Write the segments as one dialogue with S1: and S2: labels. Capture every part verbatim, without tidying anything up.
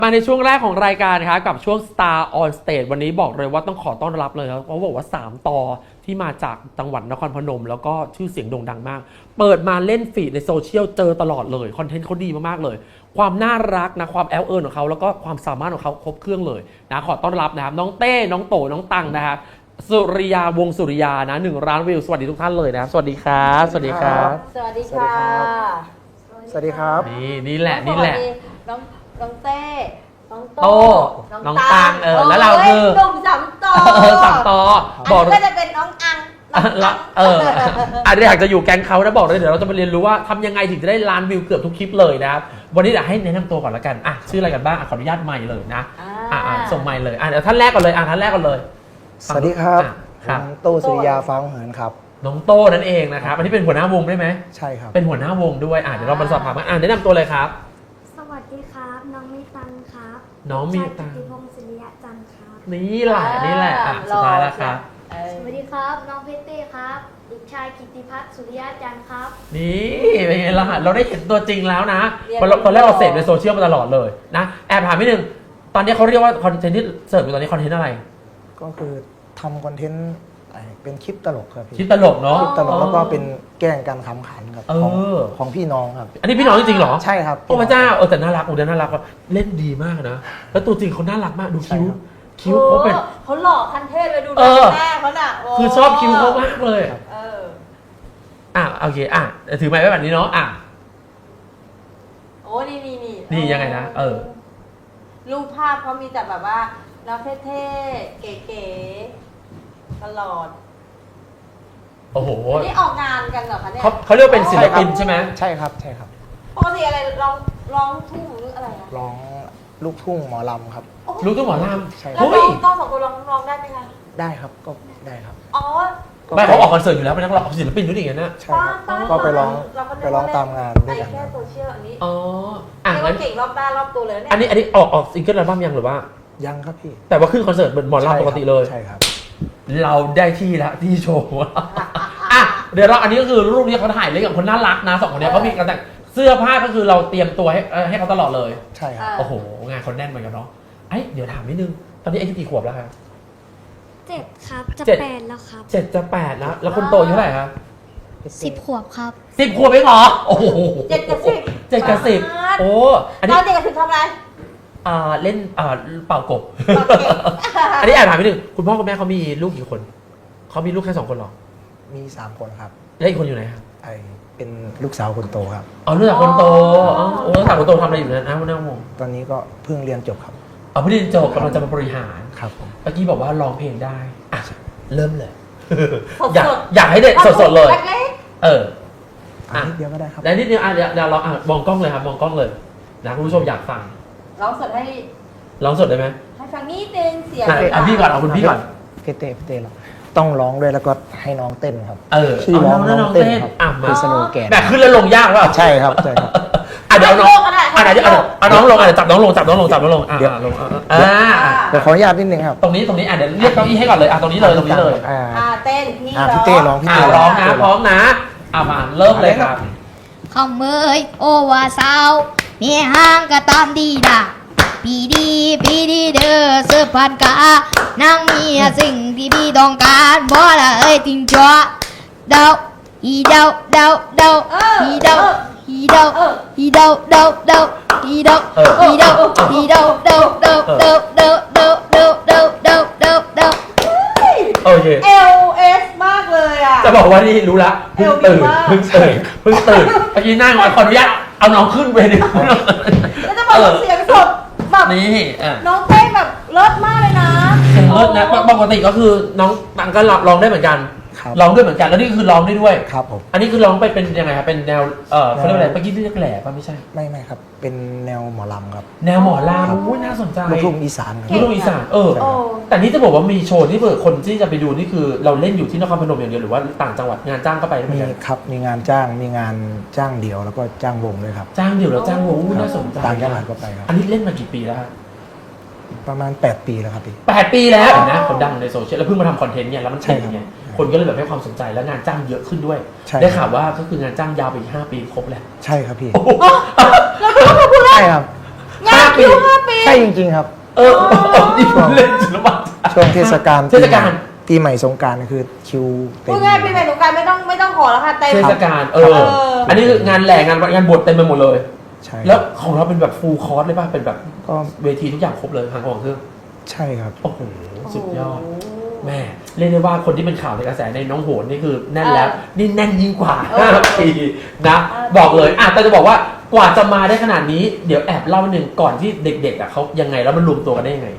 S1: มาในช่วงแรกของรายการครับกับช่วง Star on Stage วันนี้บอกเลยว่าต้องขอต้อนรับเลยครับเพราะบอกว่าสามต่อที่มาจากจังหวัดนครพนมแล้วก็ชื่อเสียงโด่งดังมากเปิดมาเล่นฟีดในโซเชียลเจอตลอดเลยคอนเทนต์เขาดีมากๆเลยความน่ารักนะความแอลเอิร์ของเขาแล้วก็ความสามารถของเขาครบเครื่องเลยนะขอต้อนรับนะครับน้องเต้น้องโตน้องตังนะครับสุริยาวงสุริยานะหนึ่งล้านวิวสวัสดีทุกท่านเลยนะครับสวัสดีครับสวัสดีครับ
S2: สวัสดีค่ะ
S3: สวัสดีครับ
S1: นี่นี่แหละนี่แหละ
S2: น้องน้องเต้น้องโต
S1: โต้น้องตังเออแล้วเราคือ
S2: หนุ่มสามต่อ
S1: เออสามต่อ
S2: อัน
S1: บอก
S2: นี้ก็จะเป็นน้องอังน้อง
S1: ละเอออันนี้อยากจะอยู่แก๊งเขานะบอกเลยเดี๋ยวเราจะมาเรียนรู้ว่าทำยังไงถึงจะได้ล้านวิวเกือบทุกคลิปเลยนะครับวันนี้เดี๋ยวให้แนะนำตัวก่อนละกันอ่ะชื่ออะไรกันบ้างอ่ะขออนุญาตไมค์เลยนะอ่ะอ่ะส่งไมค์เลยอ่ะเดี๋ยวท่านแรกก่อนเลยอ่ะท่านแรกก่อนเลย
S3: สวัสดีครับ
S1: อ่ะครับ
S3: ผมโตสุริยาฟ้าเหินครับ
S1: น้องโต้นั่นเองนะครับอันนี้เป็นหัวหน้าวงได้ไหม
S3: ใช่ครับ
S1: เป็นหัวหน้าวงด้วยอ่ะเดี๋ยวเรามาสอบถามกันอ่ะแนะนำตัวเลยครับ
S4: สวัสดีครับ น้องมีตังครับ
S1: น้องมีตัง
S4: ชายกิติพงศ์ศิริยะจันทร์ครับ
S1: นี่แหละนี่แหละอ่ะสุดท้ายแล้วครับ
S2: เออ
S4: สวัสดีครับ น้องเพชรเต้ครับเด็กชายกิติพัฒน์สุริยะจันทร์ครับ
S1: นี่เป็นไงล่ะเราได้เห็นตัวจริงแล้วนะตอนตอนแรกเราเสพในโซเชียลมาตลอดเลยนะแอบถามนิดนึงตอนนี้เขาเรียกว่าคอนเทนต์ที่เสิร์ฟอยู่ตอนนี้คอนเทนต์อะไร
S3: ก็คือทำคอนเทนต์เป็นคลิปตลกครับพี่
S1: คลิปตลกเนาะ
S3: คลิปตลกแล้วก็เป็นแกล้งกันขำขันครับ
S1: เอ
S3: ของ
S1: อ
S3: ของพี่น้องครับ
S1: อันนี้พี่น้องจริงๆเหรอ
S3: ใช่ครับ
S1: โอ้พระเจ้าเออแต่น่ารักโอ้เดี๋ยวน่ารักว่ะเล่นดีมากนะแล้วตัวจริงเขาน่ารักมากดูคิ้ว
S3: ใช่ครับ
S1: คิ้วเขาเป็น
S2: เขาหล่อคันเทพเลยดู
S1: เออ
S2: แม่เขาน่ะโ
S1: คือชอบคิ้วเขามากเลย
S2: เออ
S1: อ่ะโอเคอ่ะถือไม้ไว้แบบนี้เนาะอ่ะ
S2: โอ้นี่นี่นี่
S1: นี่ยังไงนะเออ
S2: รูปภาพเขามีแต่แบบว่าน้องเท่ๆเก๋ๆตลอด
S1: โอ้โห
S2: นี่ออกงานกันเหรอคะเนี่ย
S1: เขาเขาเรียกว่าเป็นศิลปินใช่ไหม
S3: ใช่ครับใช่ครับ
S2: ปกติอะไรร้องร้องทุ่งหรืออะไรอะ
S3: ร้องลูกทุ่งหมอลำครับ
S1: รู้ตัวหมอล
S3: ใช่
S1: ำ
S2: แล้ว
S1: เฮ้
S2: น้อย งต้องสองคนร้องร้องได้ไหมคะ
S3: ได้ครับก็ได้ครับ
S2: อ๋อ
S1: ไม่เขาออกคอนเสิร์ตอยู่แล้วเป็นนักร้องศิลปินด้วยอย่างนั้นนะ
S3: ใช่ครับก็ไปร้องไปร้องตามงานด้วยกัน
S2: แค่
S3: ครับ
S2: โซเชียลอันนี้
S1: อ๋ออ่ะ
S2: เรียก
S1: งั้
S2: ว่าน เก่งรอบด้านรอบตัวเลยนะเนี่ย
S1: อันนี้อันนี้ออกออกซิงเกิลอัลบั้มยังหรือว่า
S3: ยังครับพี่
S1: แต่ว่าขึ้นคอนเสิร์ตเหมือนหมอลำปกติเลย
S3: ใช่ครับ
S1: เราได้ที่แล้วที่โชว์อ่ะเดี๋ยวเราอันนี้ก็คือรูปนี้เขาถ่ายเล่นกับคนน่ารักนะสองคนเนี้ยเขามีการแต่งเสื้อผ้าก็คือเราเตรียมตัวให้เอ่อให้เขาตลอดเลย
S3: ใช่ครับ
S1: โอ้โหงานเขาแน่นเหมือนกันเนาะไอ้ยเดี๋ยวถามนิดนึงตอนนี้อายุกี่ขวบแล้วครับ
S4: เจ็ดครับ จะ
S1: เจ็ด
S4: แปดแล้วครับ
S1: เจ็ดจะแปดแล้วแล้วคนโตอายุเท่าไหร่ครับ
S4: สิบขวบครับ
S1: สิบขวบเองเหรอโอ้โห
S2: เจ็ดกับสิบ
S1: เจ็ดกับสิบโอ้อัน
S2: ต
S1: นี้
S2: อนเจ็ดกับสิบทำอะไร
S1: อ่าเล่นอ่าเป่ากบ
S2: เป่าเก่ง
S1: อันนี้แอบถามนิดนึงคุณพ่อคุณแม่เขามีลูกกี่คนเขามีลูกแค่สองคนเหรอ
S3: มีสามคนครับ
S1: แล้วอีกคนอยู่ไหนครับ
S3: ไอเป็นลูกสาวคนโตครับ
S1: อ๋อลูกสาวคนโตอ๋อโอ้ลูกสาวคนโตทำอะไรอยู่นั้นอ้าวน่างง
S3: ตอนนี้ก็เพิ่งเรียนจบครับ
S1: เอาเพิ่งเรียนจบกำลังจะมาบริหาร
S3: ครับผม
S1: เมื่อกี้บอกว่าร้องเพลงได้อ่ะเริ่มเลย
S2: สดๆ
S1: อยากอยากให้เด็กสดๆเลย
S2: เล็ก
S1: เออ
S3: อันนี้เดียวก็ได้ครับ
S1: แล้วนิดนึงอ่ะเดี๋ยวเดี๋ยวเราอ่ะมองกล้องเลยครับมองกล้องเลยนะคุณผู้ชมอยากฟัง
S2: ๆร้องสดให้
S1: ร้องสดได้ไหม
S2: ให้ฟังนิดนึงเสียง
S1: อ่ะอ่ะพี่ก่อนเอาคุณพี่ก่อน
S3: พี่เต้พี่เต้เราต้องร้องด้วยแล้วก็ให้น้องเต้นครับ
S1: เออ
S3: ชื่อ
S1: เอา
S3: ร้อง
S1: น้อง
S3: น้
S1: น้
S3: อ
S1: อง ง
S3: เต้น
S1: เต้น
S3: ครับ
S1: อ่ะมา
S3: คือสโลแกน
S1: แบบขึ้นแล้วลงยากเปล่า
S3: ใช่ครับใช่ครับ
S1: อ่ะเดี๋ยวเอาน้อง
S2: ให้โลกก็ได้
S1: อ่ะเดี๋ยวเอาเอาน้องลงอ่ะเดี๋ยวจับน้องลงจับน้องลงจับน้องลงอ่ะ
S3: เดี๋ยว
S1: อ่ะลงอ่ะอ่ะอ่ะ
S3: เดี๋ยวขออนุญาตนิดนึงครับ
S1: ตรงนี้ตรงนี้อ่ะเดี๋ยวเรียกเก้าอี้ให้ก่อนเลยอ่ะตรงนี้เลยตรงนี้เลย
S3: อ่า
S2: อ่าเต้นพี่
S3: อ่ะพี่เต้ร้องพี่
S1: อ่ะ
S3: เต้
S1: ร้องนะพร้อมนะอ่ะมาเริ่มเลยครับ
S4: ขอเมยโอวาสาวมีห้างก็ตามดีนะปีดีปีดีเด้อเสื้อพันกานางมีสิ่งที่พี่ต้องการบ่ละเอ้ยติงจัวเดาอีเดาเดาเดาอีเดาอีเดาอีเดาเดาเดาอีเดาอีเดาอีเดาเดาเดาเดาเดาเดาเดาเดาเดาเดาเดา
S1: โอเค
S2: เอลเอสมากเลยอ่ะ
S1: จะบอกว่านี่รู้ละเพิ่งตื่น
S2: เอวดีมาก
S1: เพิ่งตื่นเพิ่งตื่นเมื่อกี้นั่งมาขออนุญาตเอาน้องขึ้นเวที
S2: แล้วจะบอกว่าเสียงสดแบบ
S1: นี่อ่ะ
S2: น้องเต้นแบบเลิศมากเลยนะ
S1: เสียงเลิศนะปกติก็คือน้องตังก็ร้องได้เหมือนกัน
S3: ครับ
S1: ร้องด้วยเหมือนกันแล้วนี่คือร้องได้ด้วย
S3: ครับผม
S1: อันนี้คือร้องไปเป็นยังไงครับเป็นแนวเอ่อเขาเรียกว่าอะไรเมื่อกี้เรียกแหล่ป่ะไม่ใช่
S3: ไม่ไม่ครับ เป็นแนวหมอลำครับ
S1: แนวหมอ
S3: ครั
S1: ลำ
S3: บ
S1: อุ้ยน่าสนใจ
S3: ลูกทุ่งอีสานค
S1: ลู
S3: รั
S1: ก
S3: บ
S1: ทุ่งอีสานเออ
S2: โอ้
S1: แต่นี่จะบอกว่ามีโชว์ที่เปิดคนที่จะไปดูนี่คือเราเล่นอยู่ที่นครพนมอย่างเดียวหรือว่าต่างจังหวัดงานจ้างก็ไปได้เหมือ
S3: มี
S1: นกัน
S3: ครับมีงานจ้างมีงานจ้างเดี่ยวแล้วก็จ้างวงด้วยครับ
S1: จ้างเดี่ยวแล้วจ้างวงอุ้ย
S3: ครับ
S1: น่าสนใจ
S3: ต่างจังหวัดก็ไปครับ
S1: อันนี้เล่นมากี่ปีแล้วครับ
S3: ประมาณแปดปีแล้วครับพี่
S1: แปดปีแล้วเห็นไหมคนดังในโซเชียลแล้วเพิ่งมาทำคอนเทนต์เนี่ยแล้วมัน
S3: ใช่
S1: เก่ง
S3: ครับ
S1: ไงคนก็เลยแบบให้ความสนใจแล้วงานจ้างเยอะขึ้นด้วย
S3: ใช่
S1: ได้ข่าวว่าก็คืองานจ้างยาวไปอีกห้าปีครบแล้ว
S3: ใช่ครับพี่
S1: โอ้โห
S3: ใช่ครับ
S2: งาน
S1: ปี
S2: คิวห้าปี
S3: ใช่จริงๆครับ
S1: เออนี่เล่นศิลปะ
S3: ช่วงเทศกาล
S1: เทศกาล
S3: ปีใหม่สงกรานต์คือคิวเต็ม
S2: พูดง่ายปีใหม่สงกรารไม่ต้องไม่ต้องขอแล้วค่ะเต็ม
S1: เทศกาลเอ
S2: เอ
S1: อ
S2: อ
S1: อันนี้คืองานแหล่งานงานบวชเต็มไปหมดเลย
S3: ใช่
S1: แล้วของเราเป็นแบบฟูลคอร์สเลยป่ะเป็นแบบ
S3: ก็
S1: เวทีทุกอย่างครบเลยทางของเครื่อง
S3: ใช่ครับ
S1: โอ้โหสุดยอด แม่เรียกได้ว่าคนที่เป็นข่าวในกระแสในน้องโหนนี่คือแน่นแล้ว นี่แน่นยิ่งกว่าห้าปีนะบอกเลยอ่ะแต่จะบอกว่ากว่าจะมาได้ขนาดนี้เดี๋ยวแอบเล่าหนึ่งก่อนที่เด็กๆอ่ะเขายังไงแล้วมันรวมตัวกันได้ยังไง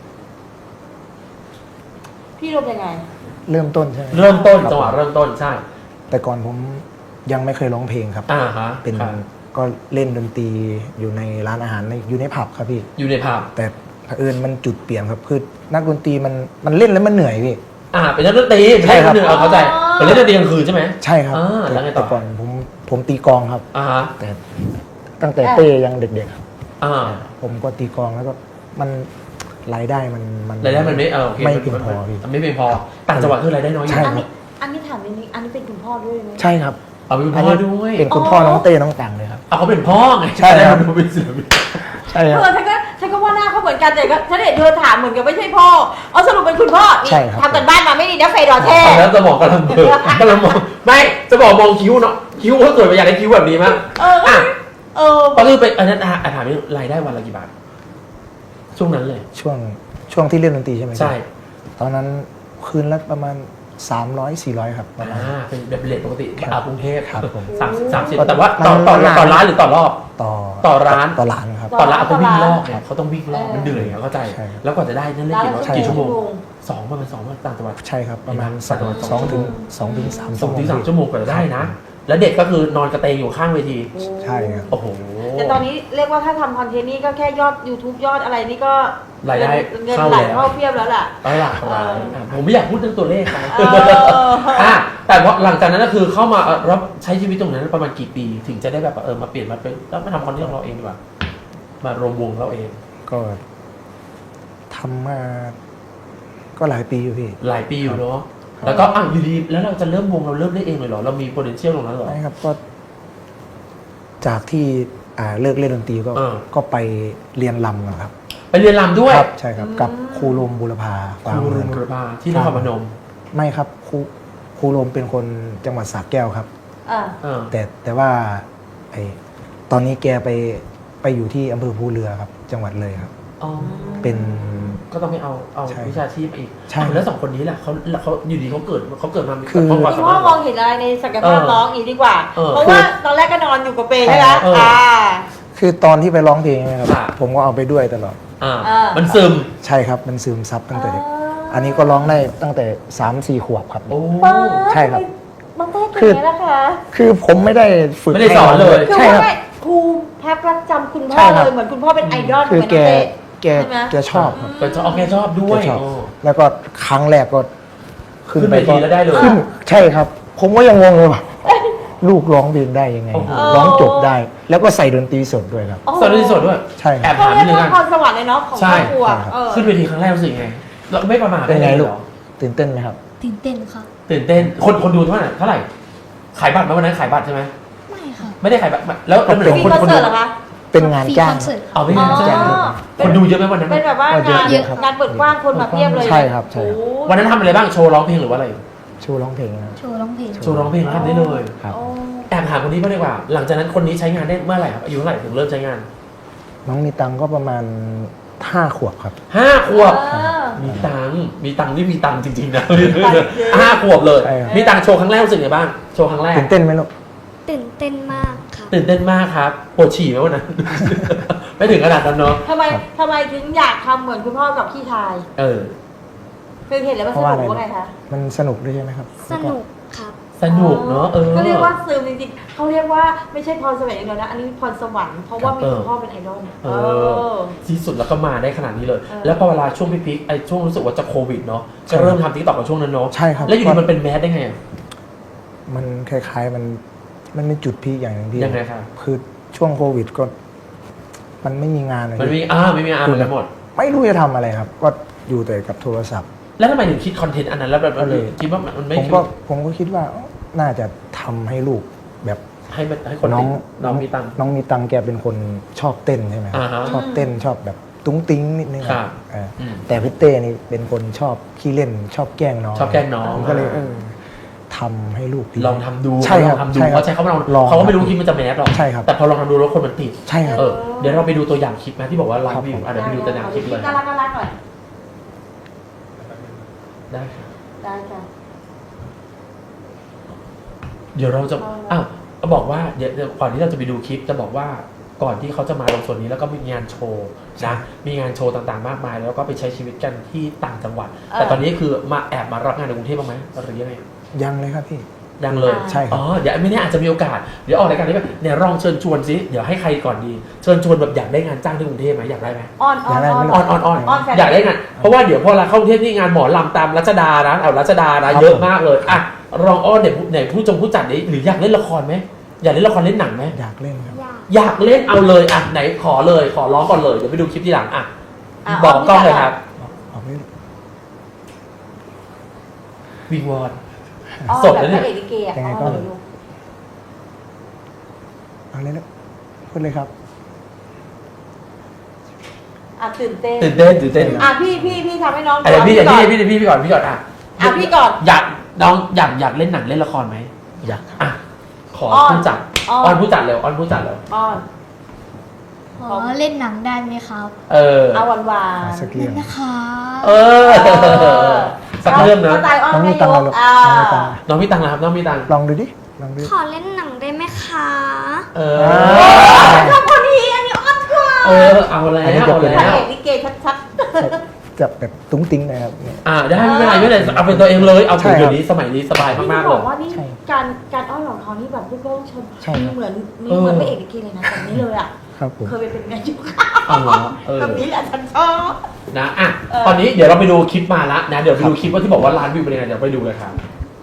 S2: พี่รวมยังไง
S3: เริ่มต้นใช่ไหม
S1: เริ่มต้น
S3: คบ
S1: จังหวะเริ่มต้นใช่
S3: แต่ก่อนผมยังไม่เคยร้องเพลงครับ
S1: อ่าฮะ
S3: เป็น
S1: ครับ
S3: ก็เล่นดนตรีอยู่ในร้านอาหารในอยู่ในผับครับพี่
S1: อยู่ในภาพ
S3: แต่เผอิญมันจุดเปลี่ยนครับคือนักดนตรีมันมันเล่นแล้วมันเหนื่อยพี่
S1: อ่าเป็นนักดนตรี
S3: ใช่ครับ
S1: เป็นนักดนตรีเอาเข้าใจ
S2: อ๋อ
S1: เป็นเล่นดนตรีกลางคืนใช่ไหม
S3: ใช่ครับ
S1: อ่าแล้วไงต่อ
S3: แต่ก่อนผมผมตีกลองครับ
S1: อ่าฮะ
S3: แต่ตั้งแต่เต้ยังเด็กๆครับ
S1: อ่า
S3: ผมก็ตีกลองแล้วก็มันรายได้มันมัน
S1: รายได้มันไม่เออโอเค
S3: ไม่เพียงพอพี่
S1: ไม่เพียงพอต่างจังหวัดคือรายได้น้อยอยู่
S3: ใช่
S2: อันนี้อันนี้ถามนิดนึงอันนี้เป็นคุณพ่อด้วยไหม
S3: ใช่ครับ
S1: เอาเป็น
S3: อั
S1: พ่
S3: น
S1: อ
S3: นี้
S1: ด้วย
S3: เป็นคุณพ่อน้องเต้น้องต่างเลยครับ
S1: เอาเขาเป็นพ่อไง
S3: ใช่ครับ
S1: เขาเป็นศิลปิน
S3: ใช่ครับ
S2: เออฉันก็ฉันก็ว่าหน้าเขาเหมือนกันแต่ก็ฉันเห็นเธอถามเหมือนกับไม่ใช่พ่อเอาสรุปเป็นคุณพ่อนี่
S3: ใช่ครับ
S2: ทำกันบ้านมาไม่ดีนะเฟย์ดอเท่
S1: แล้วจะบอกกำลังเบิกกำลังมองไม่จะบอกมองคิ้วเนาะคิ้วเขาสวยไปอยากได้คิ้วแบบนี้มั้ง
S2: เออ
S1: อ่ะ
S2: เออ
S1: ก็คือไปอันนั้นอ่ะถามนี่รายได้วันละกี่บาทช่วงนั้นเลย
S3: ช่วงช่วงที่เล่นดนตรีใช่ไหมครับ
S1: ใช่
S3: ตอนนั้นคืนละประมาณสามร้อยสี่ร้อยครับประมาณ
S1: อ่าเป็นแบบเลทปกติ
S3: ครับ
S1: อ่ากรุงเทพ
S3: ครับผม
S1: สามสิบสามสิบ
S3: ก็
S1: แต่ว่าต่อ
S3: มัน
S1: ต่อ
S3: มัน
S1: ต่อร้านหรือต่อรอบ
S3: ต่อ
S1: ต่อร้าน
S3: ต่อร้านครับ
S1: ต่อร้านเขาวิ่งรอบ
S3: ครั
S1: ไง
S3: บ
S1: เขาต้องวิ่งรอบมันเหนื่อยไงเข้าใจ
S3: ใช่ครับ
S1: แล้วกว่าจะได้นั่นเล่นกี่
S2: ร้านละ
S1: กี่ชั่วโมง
S2: ชั่วโมง
S1: สองประมาณสองวันต่างจังหวัด
S3: ใช่ครับประมาณ
S1: สอง
S3: สองถึงสองถึงสาม
S1: สองถึงสามชั่วโมงกว่าจะได้นะ แล้วเด็กก็คือนอนกระเตงอยู่ข้างเวที
S3: ใช่ครับ
S1: โอ้โห
S2: แต่ตอนนี้เรียกว่าถ้าทำคอนเทนต์นี่ก็แค่ยอด YouTube ยอดอะไรนี่ก็
S1: รายได้
S2: เงิน
S1: เข้า
S2: ไหล
S1: แล้ว
S2: เข้าเพียบแล้วล่ะ
S1: เอาล่ะ
S2: เออ
S1: อ่ะผมไม่อยากพูดเรื่องตัวเลขนะ
S2: เออ
S1: อ่ะแต่ว่าหลังจากนั้นก็คือเข้ามาเอ่อรับใช้ชีวิตตรงนั้นประมาณกี่ปี ถึงจะได้แบบเออมาเปลี่ยนมาเป็นแล้วมาทำคอนเทนต์ของเราเองดีกว่า มารวมวงเราเอง
S3: ก็ทำมาก็หลายปีอยู่พี่
S1: หลายปีอยู่เนาะ แล้วก็อ่ะอยู่ดีแล้วเราจะเริ่มวงเราเริ่มได้เองเลยเหรอ เรามี potential ตรงนั้นเหรอ
S3: ใช่ครับก็ จากที่อ่าเลิกเล่นดนตรีก็
S1: เออ
S3: ก็ไปเรียนรำนะครับ
S1: ไปเรียนรำด้วย
S3: ครับใช่ครับ กับครูลมบุรพา
S1: ครู
S3: เมื
S1: รุ
S3: อง
S1: นบุรพาที่นครพนม
S3: ไม่ครับครูครูลมเป็นคนจังหวัดสระแก้วครับ
S2: อ่า
S1: เออ
S3: แต่แต่ว่าไอตอนนี้แกไปไปอยู่ที่อำเภอภูเรือครับ จังหวัดเลยครับ
S1: อ๋อ
S3: เป็น
S1: ก็ต้องไปเอาเอา
S3: ใช่
S1: วิชาชีพมาอีก
S3: ใช่
S1: อ่ะแล้วสองคนนี้แหละเขาเขาอยู่ดีเขาเกิดเขาเกิดมามี
S3: คือ
S1: ความ
S2: คุ
S1: สา
S2: ณ
S1: มา
S2: พ่อ
S1: รถ
S2: มองเห็นอะไรในศักยภาพ
S1: เออ
S2: น้องอีกดีกว่า
S1: เออ
S2: เพราะว่าตอนแรกก็นอนอยู่กับเปย์ใช่ไหม
S1: เออ
S2: อ่า
S3: คือตอนที่ไปร้องเพลงเนะครับ
S1: ค่ะ
S3: ผมก็เอาไปด้วยตลอด
S1: อ่า
S2: เออ
S1: มันซึม
S3: ใช่ครับ มันซึมซับตั้งแต่เด็ก
S2: อ่า
S3: อันนี้ก็ร้องได้ตั้งแต่สามสี่ขวบครับ
S1: โอ้
S2: ป๊า
S3: ใช่ครับ
S2: ทำไมน้องเต้เก่งไงล่ะคะ
S3: คือผมไม่ได้ฝึก
S1: ไม่ได้สอนเลย
S2: คือ
S3: ใช่ครับ
S2: ว่าไงครูพักรักจำคุณพ่
S3: ใช่
S2: อ
S3: ครั
S2: เล
S3: บ
S2: ยเหมือนคุณพ่อเป็นไอดอล
S3: คือ
S2: เหมือน
S3: แก
S2: น้องเต้
S3: แก
S2: ใช่ไหม
S3: แกชอบครับ
S1: ก็ชอบแกชอบด้วย
S3: แกชอบ
S1: โอ้
S3: แล้วก็ครั้งแรกก็
S1: ขึ้นเวทีแล้วได้เลย
S3: ขึ้นใช่ครับ ผมก็ยังงงเลยว่าลูกร้องเพลงได้ยังไง
S1: โอ้โห
S3: ร้องจบได้ แล้วก็ใส่ดนตรีสดด้วยครับ
S2: โอ้โห
S1: สอนที่สดด้วย
S3: ใช่ค
S1: แอ
S3: รับ
S1: บ
S2: เขา
S1: ถาม
S2: เรี
S1: นิ
S2: ย
S1: ด
S2: ก
S1: นึง
S2: ว่า
S1: นะ
S2: พรสวรรค์เลยเนาะของ
S1: ใช่
S2: ครอบครัว
S3: ใช่ครับ
S2: เออ
S1: ขึ้นเวทีครั้งแรกรู้สึกไงเราไม่ประมาท
S3: เป็นไง
S1: ด้
S3: ลูก
S1: หรอ
S3: ตื่นเต้นไหมครับ
S4: ตื่นเต้นครับ
S1: ตื่นเต้นคนคนดูเท่าไหร่เท่าไหร่ขายบัตรไหมวันนั้นขายบัตรใช่ไหม
S4: ไม่ค่ะ
S1: ไม่ได้ขายบัตรแล้วแล้วเหมือน
S2: มี
S1: คน
S2: คอน
S1: คน
S2: เสิ
S1: ดู
S2: ร์ตเหรอคะ
S3: เป็นงานจ้าง
S4: ฟรีคอนเสิร์ต
S1: เอาไม่ได้
S2: อ๋อ
S1: จ้างคนดูเยอะไหมวันนั้น
S2: เป็นแบบว่า
S3: ก็เย
S2: งา
S3: อะ
S2: น
S3: เยอะครับ
S2: งานเปิดกว้างคนมาเพียบเลย
S3: ใช่ครับใช่ครับ
S2: โอ้
S1: วันนั้นทำอะไรบ้างโชว์ร้องเพลงหรือว่าอะไร
S3: โชว์ร้องเพลงนะครับ
S4: โชว์ร้องเพลง
S1: โชว์ร้องเพลงทำได้เลย
S3: ครับ
S2: โอ้
S1: แอบถามคนนี้บ้างดีกว่า หลังจากนั้นคนนี้ใช้งานได้เมื่อไหร่ครับอายุเท่าไหร่ถึงเริ่มใช้งาน
S3: น้องมีตังค์ก็ประมาณห้าขวบครับ
S1: ห้าขวบ
S2: เออ
S1: มีตังค์มีตังค์นี่มีตังค์จริงๆนะห้าขวบเลย
S3: ใช่ครับ
S1: มีตังค์โชว์ครั้งแรกรู้สึกไงบ้างโชว์ครั้งแรก
S3: ตื่นเต้นไหมลูก
S4: ตื่นเต้นมากครับ
S1: ตื่นเต้นมากครับปวดฉี่ไหมวันนั้น ไม่ถึงขนาดนั้นเนาะ
S2: ทำไมทำไมถึงอยากทำเหมือนคุณพ่อกับพี่ชาย
S1: เออ
S2: คือเห็นแล้วมัน
S3: เพ
S2: ส
S3: ราะว่า
S2: นุ
S3: อะ
S2: ก
S3: ไร
S2: ว่าไงคะ
S3: มันสนุกด้วยใช่ไหมครับ
S4: สนุกครับ
S1: สนุกเนาะเออ
S2: ก็เรียกว่าซึมจริงๆเขาเรียกว่าไม่ใช่พรสวรรค์อย่างเดียวนะ อันนี้พรสวรรค์เพราะว่ามี
S1: เออ
S2: คุณพ่อเป็นไอดอล
S1: เออที่สุดแล้วก็มาได้ขนาดนี้เลย
S2: เออ
S1: แล้วพอเวลาช่วงพีคๆไอ้ช่วงรู้สึกว่าจะโควิดเนาะจะเริ่มทำทิกตอกกับช่วงนั้นเนาะ
S3: ใช่ครับ
S1: แล้วอยู่ดีมันเป็นแมสได้ไงอะ
S3: มันคล้ายๆมันมันเป็นจุดพีคอย่างหนึ่งพี่
S1: ยังไงครับ
S3: คือช่วงโควิดก็ มันไม่มีงานเลย
S1: มันมีอ่าไม่มีอ่าเหมือนกันหมด
S3: ไม่รู้จะทำอะไรครับ ก็อยู่แต่กับโทรศัพท์
S1: แล้วทำไมถึงคิดคอนเทนต์อันนั้นแล้วแบบ
S3: ก็เลย
S1: คิดว่ามันไม่
S3: ผมก็ผมก็คิดว่าน่าจะทำให้ลูกแบบ
S1: ให้มันให้คน
S3: น้อง
S1: ติดน้องมีตังค์
S3: น้องมีตังค์แกเป็นคนชอบเต้นใช่ไหมครับ
S1: อ่าฮะ
S3: ชอบเต้นชอบแบบตุ้งติ้งนิดนึง
S1: ครับ
S3: เอออ
S1: ม
S3: แต่พี่เต้นี่เป็นคนชอบขี้เล่นชอบแกล้งน้อง
S1: ชอบแกล้งน้อง
S3: ผมก็เลยเออทำให้ลูกดี
S1: ลองทำดู
S3: ใช่ครับ
S1: ลองทำดู
S3: ใช่ครับ
S1: เขาใช้เขาลอง
S3: ลอง
S1: เขาก็ไม่รู้คลิปมันจะแมสหรอก
S3: ใช่ครับ
S1: แต่พอลองทำดูแล้วคนมันติด
S3: ใช่ครับ
S1: เออเดี๋ยวเราไปดูตัวอย่างคลิปนะที่บอกว่าไล
S3: ครับ
S1: ฟ์วิว
S3: ผม
S1: อ่ะเดี๋ยวไปดูตัวอย่างคลิปเลย
S2: น่ารักน่ารักหน่อย
S1: ได้ครับ
S2: ได้ค่ะ
S1: เดี๋ยวเราจะ
S2: เอา
S1: อ้าวบอกว่าเดี๋ยวเดี๋ยวก่อนที่เราจะไปดูคลิปจะบอกว่าก่อนที่เขาจะมาลงส่วนนี้แล้วก็มีงานโชว์นะมีงานโชว์ต่างๆมากมาย แล้วก็ไปใช้ชีวิตกันที่ต่างจังหวัด แต่ตอนนี้คือมาแอบมารับงานในกรุงเทพบ้างไหมหรือยังไง
S3: ยังเลยครับพี่
S1: ยังเลย
S3: ใช่ครับ
S1: อ๋อเดี๋ยวไม่แน่อาจจะมีโอกาสเดี๋ยวออกรายการนี้แบบเนี่ยลองเชิญชวนสิเดี๋ยวให้ใครก่อนดีเชิญชวนแบบอยากได้งานจ้างที่กรุงเทพไหมอยากได้ไหม
S2: อ้อนอ้อน
S3: อยากได้ไหม
S1: ออนออนออน
S2: อ้อนแฟน
S1: อยากได้งานเพราะว่าเดี๋ยวพอเราเข้ากรุงเทพนี่งานหมอลำตามรัชดานะเอารัชดานะเยอะมากเลยอ่ะลองอ้อนเนี่ยไหนผู้จงผู้จัดนี้หรืออยากเล่นละครไหมอยากเล่นละครเล่นหนังไหม
S3: อยากเล่นครับ
S1: อยากเล่นเอาเลยอ่ะไหนขอเลยขอร้องก่อนเลยเดี๋ยวไปดูคลิปทีหลังอ่ะ
S2: ะ
S1: บอกกล้องเลยครับ
S3: ออกไม่
S1: วิงวอน
S2: อ้อน
S1: สด
S2: แบบ
S1: นะ
S2: พ
S1: เนี่ย
S2: ระเอกลิเกอะ
S3: ยังไงก็
S2: อ้อนเลยลูก
S3: เอาเลยนะพูดเลยครับ
S2: อ่ะตื่นเต้น
S1: ตื่นเต้นตื่นเต้น
S2: อ่ะพี่พี่พี่ทำให้น้อง
S1: อ่ะเดี๋ยวพี่
S2: ก่
S1: เดี๋ยว
S2: อน
S1: พี่เดี๋ยวพี่เดี๋ยวพี่ก่อนพี่ก่อนอ่ะ
S2: อ่ะพี่ก่อน
S1: อยากน้องอยากอยากเล่นหนังเล่นละครไหม
S3: อยากครับ
S1: อ่ะขอ
S2: อ้อน
S1: ผู้จัด
S2: อ้อน
S1: อ้อนผู้จัดเร็วอ้อนผู้จัดเร็ว
S2: อ้อน
S4: ขอเล่นหนังได้ไหมครับ
S1: เออ
S2: เอาหวานหวา
S3: ขอน สักเรื่อง
S4: นะคะ
S1: เออสักเรื่องนะ
S2: สไตล์อ้อน
S3: น้อง
S2: แม่
S3: มี
S2: ย
S3: ตังค์
S2: ก
S3: เหรอ
S2: อ่า
S3: น้องมีตังค์
S1: น้องมีตังค์นะครับน้องมีตังค์
S3: ลองดูดิลองดูดิ
S4: ขอเล่นหนังได้ไหมคะ
S1: เออ
S2: ชอบคนนี้อันนี้อ้อนกว่า
S1: เออเอาแล้วเอา
S2: พระ
S1: แล้ว
S2: เอกลิเกชัด
S3: จะแบบตุ้งติ้งนะครับเนี่ย
S1: อ่าได้ไม่เป็นไรไม่เป็นไรเอาเป็นตัวเองเลยเอา
S3: ใช่
S1: ถึง
S3: ครับ
S1: เดี๋ยวนี้สมัยนี้สบาย
S2: ๆพี่
S1: มากๆ
S2: บ
S1: เล
S2: อก
S1: ย
S2: ว่านี่
S3: ใช่
S2: การการอ้อนของเขานี่แบบพี่โก้ชม
S3: ใช่ครับ
S2: เหมือนมี
S1: เออ
S2: เหมือนพระเอกลิเกเลยนะแบบนี้เลยอ่ะ
S3: ครับผม
S2: เคยไปเป็นงานยุค
S1: เอาเหรอเออ
S2: แบบนี้แหละฉันชอบ
S1: นะอ่ะ
S2: เออ
S1: ตอนนี้เดี๋ยวเราไปดูคลิปมาละนะเดี๋ยวไปดูคลิปว่าที่บอกว่าร้านวิวเป็นยังไงเดี๋ยวไปดูเลยครับ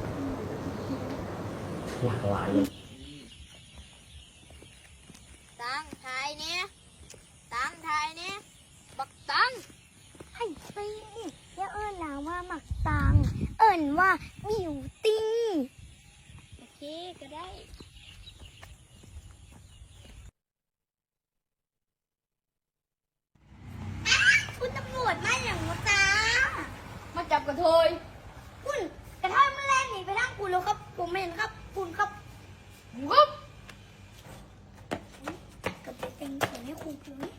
S1: หลากหลายเลย
S4: ตังไทยเนี่ยตังไทยเนี่ยบักตังให้ซีอย่าเอิ้นหนาว่าหมักตัง เอิ้นว่าบิวติ้งโอเคก็ได้คุณตำรวจมาอย่างวะจ้ามาจับกระเทยคุณกระเทยมันแล่นหนีไปทางคุณแล้วครับ ผมเห็นครับ คุณครับวุ๊บ กับเต็งเขียนให้ครูเพียงนี้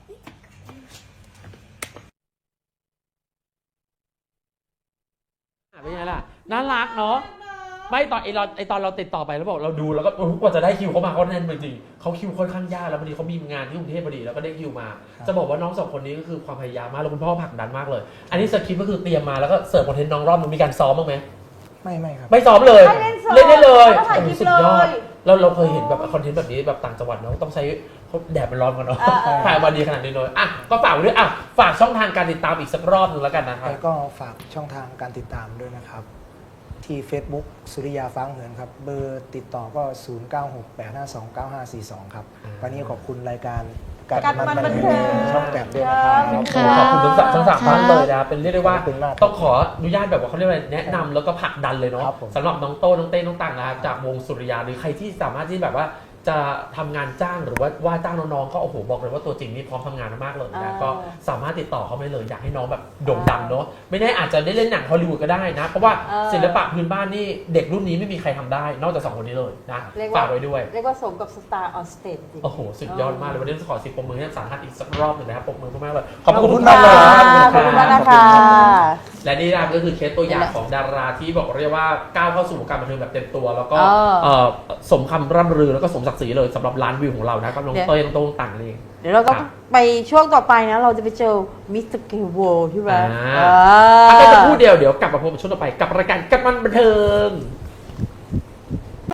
S1: เป็นไงล่ะน่ารักเนาะไม่ตอนไอเราไอตอนเราติดต่อไปแล้วบอกเราดูแล้วก็โอ้โหกว่าจะได้คิวเขามาเขาแน่นจริงๆเขาคิวค่อนข้างยากแล้วพอดีเขามีงานที่กรุงเทพพอดีแล้วก็ได้คิวมา จะบอกว่าน้องสองคนนี้ก็คือความพยายามมากแล้วคุณพ่อผลักดันมากเลย อันนี้สคริปต์ก็คือเตรียมมาแล้วก็เสิร์ฟคอนเทนต์น้องรอบนึงมีการซ้อมบ้างไหม
S3: ไม่ไม่ครับ
S1: ไม่ซ้อมเลย
S2: ให้เล่นสด
S1: เล่นได้เลย
S2: แล้วก็ถ่ายคลิป
S1: สุดยอด
S2: เลย
S1: เราเราเคยเห็นแบบคอนเทนต์แบบนี้แบบต่างจังหวัดเนาะต้องใช้เขาแดดมันร้อนกันเนาะ
S2: เออเออ
S1: ถ่ายมาดีขนาดนี้เลยอ่ะก็ฝากไว้ด้วยอ่ะฝากช่องทางการติดตามอีกสักรอบหนึงแล้วกันนะครับ
S3: แล้วก็ฝากช่องทางการติดตามด้วยนะครับ ที่ Facebook สุริยาฟ้าเหินครับ เบอร์ติดต่อก็ ศูนย์ เก้า หก แปด ห้า สอง เก้า ห้า สี่ สอง ครับ
S1: อ่า
S3: วันนี้ขอบคุณรายการ
S2: กัดมันบันเทิง
S3: ช่องแปดด้วยนะครับ
S1: โอ้โหขอบคุณทั้งสามทั้งสามท่านเลยนะเป็นเรียกได้ว่า
S3: ขอบคุณมาก
S1: ต้องขออนุญาตแบบว่าเขาเรียกว่าอะไรแนะนำแล้วก็ผลักดันเลยเนาะ
S3: ครับผม
S1: สำหรับน้องโต้น้องเต้น้องต่างนะครับจากวงสุริยาหรือใครที่สามารถที่แบบว่าจะทำงานจ้างหรือว่าว่าจ้างน้องๆก็โอ้โหบอกเลยว่าตัวจริงนี่พร้อมทำงานมากเลยนะ
S2: อ่า
S1: ก็สามารถติดต่อเขาไปเลยอยากให้น้องแบบโด่งดังเนาะไม่แน่อาจจะได้เล่นหนังฮอลลีวูดก็ได้นะเพราะว่า
S2: เออ
S1: ศิลปะพื้นบ้านนี่เด็กรุ่นนี้ไม่มีใครทำได้ นอกจากสองคนนี้เลยนะ
S2: เรียกว่า
S1: ฝากไว้ด้วย
S2: เรียกว่าสมกับสตาร์ออนสเตจจริง
S1: โอ้โห สุดยอดมากเลย วันนี้ขอสิบปรบมือให้สามท่านอีกสักรอบหนึ่งนะครับปรบมือมากๆเลย ขอบ
S3: ขอบ
S1: คุ
S3: คุณ ณ
S1: มากเลย
S2: ขอบคุณมากนะคะ
S1: และนี่นะครับก็คือเคสตัวอย่างของดาราที่บอกเรียกว่าก้าวเข้าสู่วงการบันเทิงแบบเต็มตัว แล้วก็
S2: เออ
S1: เอ่อสมคำร่ำลือแล้วก็สมศักดิ์ศรีเลยสำหรับร้านวิวของเรานะครับน้อง
S2: เดี๋ยว
S1: เต้ยน้องโต้งต่างนั่นเอง
S2: เดี๋ยวเราก็
S1: ครับ
S2: ไปช่วงต่อไปนะ เราจะไปเจอมิสเตอร์เกลโวใช่ไหม
S1: อ่า
S2: อ่า
S1: ถ้าจะพูดเดียวเดี๋ยวกลับมาพบกันช่วงต่อไปกับรายการกัดมันบันเทิง